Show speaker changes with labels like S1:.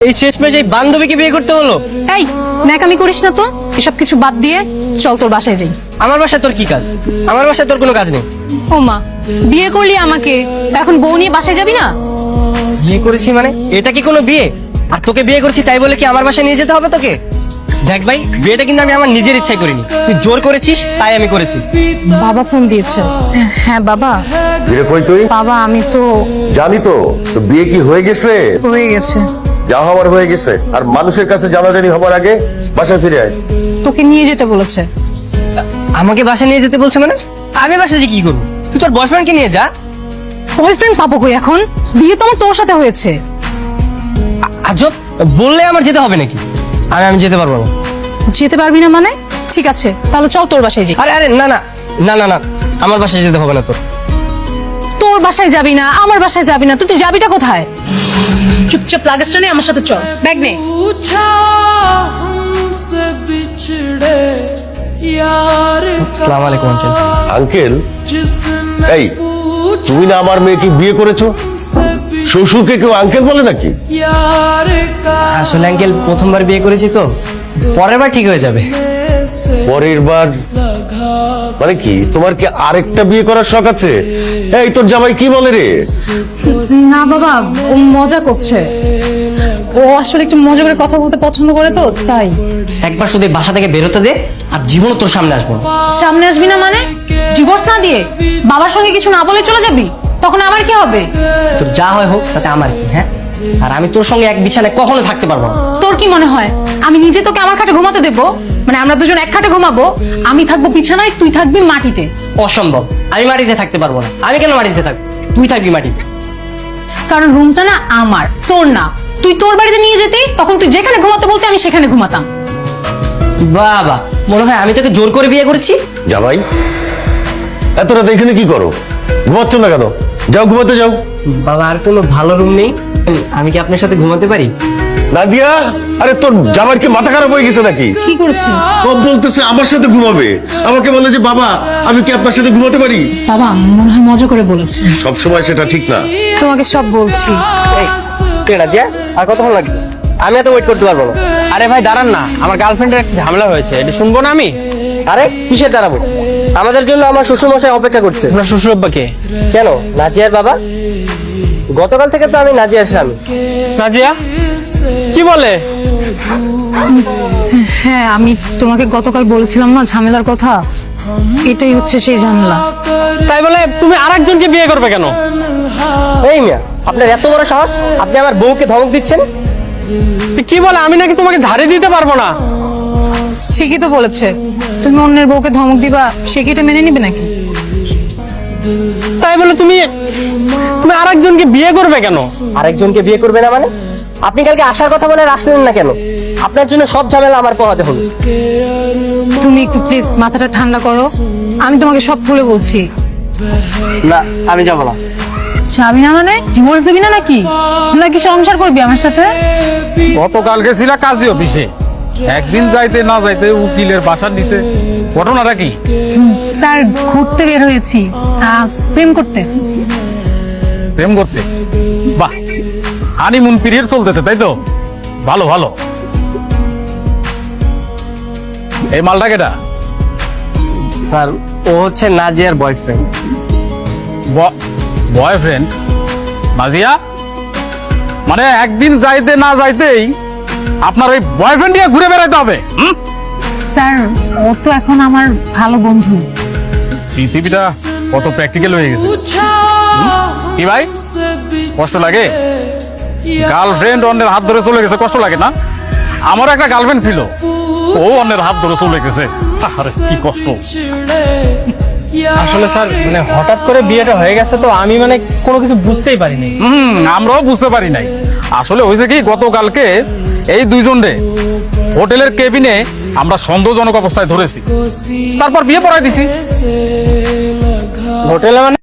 S1: এই শেষমেশ এই বান্ধবীকে বিয়ে করতে হলো?
S2: এই ন্যাকামি করিস না তো, এসব কিছু বাদ দিয়ে চল তোর বাসায় যাই।
S1: আমার বাসায় তোর কি কাজ? আমার বাসায় তোর কোনো কাজ নেই।
S2: ও মা, বিয়ে করলি আমাকে, এখন বউ নিয়ে বাসায় যাবি না?
S1: বিয়ে করেছি মানে এটা কি কোনো বিয়ে? আর তোকে বিয়ে করেছি তাই বলে কি আমার বাসায় নিয়ে যেতে হবে তোকে? দেখ ভাই, বিয়েটা কিন্তু আমি আমার নিজের ইচ্ছায় করিনি, তুই জোর করেছিস তাই আমি করেছি।
S2: বাবা ফোন দিয়েছে। হ্যাঁ বাবা।
S3: বিয়ে কই তুই?
S2: বাবা আমি তো
S3: জানি তো, তো বিয়ে কি হয়ে গেছে?
S2: হয়ে গেছে।
S3: যা হওয়ার হয়ে গেছে, আর মানুষের কাছে জানাজানি হবার আগে বাসায় ফিরে আয়।
S2: তোকে নিয়ে যেতে বলেছে।
S1: আমাকে বাসায় নিয়ে যেতে বলছে মানে? আমি বাসায় যে কি করবো? তুই তোর বয়ফ্রেন্ডকে নিয়ে যা।
S2: বয়ফ্রেন্ড পাবো কই এখন? বিয়ে তো আমার তোর সাথে হয়েছে।
S1: আজব, বললে আমার যেতে হবে নাকি? আমি যেতে পারবো না।
S2: যেতে পারবি না মানে? ঠিক আছে তাহলে চল তোর বাসায় যাই।
S1: আরে আরে না না না না না, আমার বাসায় যেতে হবে না তোর।
S2: তোর বাসায় যাবি না, আমার বাসায় যাবি না, তুই যাবিটা কোথায়? চুপচাপ লাগেজটা নে, আমার সাথে চল, ব্যাগ নে।
S1: আসসালামু আলাইকুম আঙ্কেল।
S3: আঙ্কেল? এই, তুমি না আমার মেয়েকে বিয়ে করেছো? শ্বশুরকে কেউ আঙ্কেল বলে নাকি?
S1: আসলে আঙ্কেল প্রথমবার বিয়ে করেছি তো, পরের বার ঠিক হয়ে যাবে।
S3: পরের বার মানে কি? তোমার কি আরেকটা বিয়ে করার শখ আছে? এই তোর জামাই কি বলে রে?
S2: না বাবা, ও মজা করছে। ও আসলে একটু মজা করে কথা বলতে পছন্দ করে তো তাই।
S1: একবার শুধু এই বাসা থেকে বেরোতে দে, আর জীবনও তোর সামনে আসবো না।
S2: সামনে আসবি না মানে? ডিভোর্স না দিয়ে বাবার সঙ্গে কিছু না বলে চলে যাবি? তখন আমার কি হবে?
S1: তোর যা হয় হোক, তাতে আমার কি? হ্যাঁ, আর আমি তোর সঙ্গে এক বিছানায় কখনো থাকতে পারবো না।
S2: তোর কি মনে হয় আমি নিজে তোকে আমার খাটে ঘুমাতে দেবো? মানে আমরা দুজন এক খাটে ঘুমাবো, আমি থাকবো বিছানায়, তুই থাকবি মাটিতে।
S1: অসম্ভব, আমি মাটিতে থাকতে পারবো না। আমি কেন মাটিতে থাকবো? তুই থাকবি মাটিতে।
S2: কারণ রুমটা না আমার, তোর না। তুই তোর বাড়িতে নিয়ে যেতি, তখন তুই যেখানে ঘুমাতে বলতে আমি সেখানে ঘুমাতাম।
S1: বাবা, মনে হয় আমি তোকে জোর করে বিয়ে করেছি।
S3: জামাই, এত রাত এখানে কি করো? ঘুমাচ্ছ না কেন? যাও ঘুমাতে যাও।
S1: বাবা, আর কোনো ভালো রুম নেই? আমি কি আপনার সাথে ঘুমাতে পারি?
S3: নাজিয়া, আরে তোর জামাইয়ের কি মাথা খারাপ হয়ে গেছে নাকি?
S2: কি করেছে?
S3: ও বলতেছে আমার সাথে ঘুমাবে, আমাকে বলে যে বাবা আমি কি আপনার সাথে ঘুমাতে পারি?
S2: বাবা মনে হয় মজা করে বলেছে।
S3: সব সময় সেটা ঠিক না।
S2: তোমাকে সব বলছি।
S1: রাজিয়া, আর কতক্ষণ লাগবে? আমি এত ওয়েট করতে পারবো না।
S4: আরে ভাই দাঁড়ান না, আমার গার্লফ্রেন্ডের একটা ঝামেলা হয়েছে, এটা শুনবো না আমি?
S1: আরে কিসের দাঁড়াবো? আমাদের জন্য আমার শ্বশুরমশাই অপেক্ষা করছে।
S4: আপনার শ্বশুর আব্বাকে?
S1: কেন, নাজিয়ার বাবা? গতকাল থেকে তো আমি নাজিয়ার স্বামী।
S4: নাজিয়া কি বলে?
S2: হ্যাঁ, আমি তোমাকে গতকাল বলেছিলাম না ঝামেলার কথা, এটাই হচ্ছে সেই ঝামেলা।
S4: তাই বলে তুমি আরেকজনকে বিয়ে করবে কেন?
S1: এই মিয়া, আপনার এত বড় সাহস, আপনি আমার বউকে ধমক দিচ্ছেন?
S4: কি বলে? আমি নাকি তোমাকে ঝাড়ি দিতে পারবো না?
S2: ঠিকই তো বলেছে। তুমি অন্যের বউকে ধমক দিবা, সে কি এটা মেনে নিবে নাকি?
S4: তাই বলে তুমি তুমি আরেকজনকে বিয়ে করবে কেন?
S1: আরেকজনকে বিয়ে করবে না মানে? আপনি কালকে আসার কথা বলে আর আসলেন না কেন? আপনার জন্য সব ঝামেলা আমার পোহাতে হলো।
S2: তুমি একটু প্লিজ মাথাটা ঠান্ডা করো, আমি তোমাকে সব খুলে বলছি।
S1: না, আমি যাবো না।
S2: যাবি না মানে? ডিভোর্স দিবি না নাকি? নাকি সংসার করবি আমার সাথে?
S5: গতকাল গেছিলা কাজী অফিসে, একদিন যাইতে না যাইতে উকিলের বাসার নিচে, ঘটনাটা কি?
S2: স্যার ঘুরতে বের হয়েছি, প্রেম করতে।
S5: প্রেম করতে? বাহ, হানিমুন পিরিয়ড চলতেছে তাই তো? ভালো ভালো। এই মালটা কেটা?
S1: স্যার, ও হচ্ছে নাজিয়ার বয়ফ্রেন্ড।
S5: বয়ফ্রেন্ড? নাজিয়া, মানে একদিন যাইতে না যাইতেই আপনার ওই বয়ফ্রেন্ড নিয়ে ঘুরে বেড়াইতে হবে?
S2: স্যার ও তো এখন আমার ভালো বন্ধু।
S5: পৃথিবীটা কত প্র্যাকটিক্যাল হয়ে গেছে। কি ভাই, কষ্ট লাগে? গার্লফ্রেন্ড অন্যের হাত ধরে চলে গেছে, কষ্ট লাগে না? আমার একটা গার্লফ্রেন্ড ছিল, ও অন্যের হাত ধরে চলে গেছে, আরে কি কষ্ট।
S4: আসলে স্যার মানে হঠাৎ করে বিয়েটা হয়ে গেছে তো, আমি মানে কোনো কিছু বুঝতেই পারিনি।
S5: আমরাও বুঝতে পারি নাই। আসলে হয়েছে কি, গতকালকে এই দুইজনে হোটেলের কেবিনে আমরা সন্দেহজনক অবস্থায় ধরেছি, তারপর বিয়ে পড়াই দিছি।
S4: হোটেলে মানে?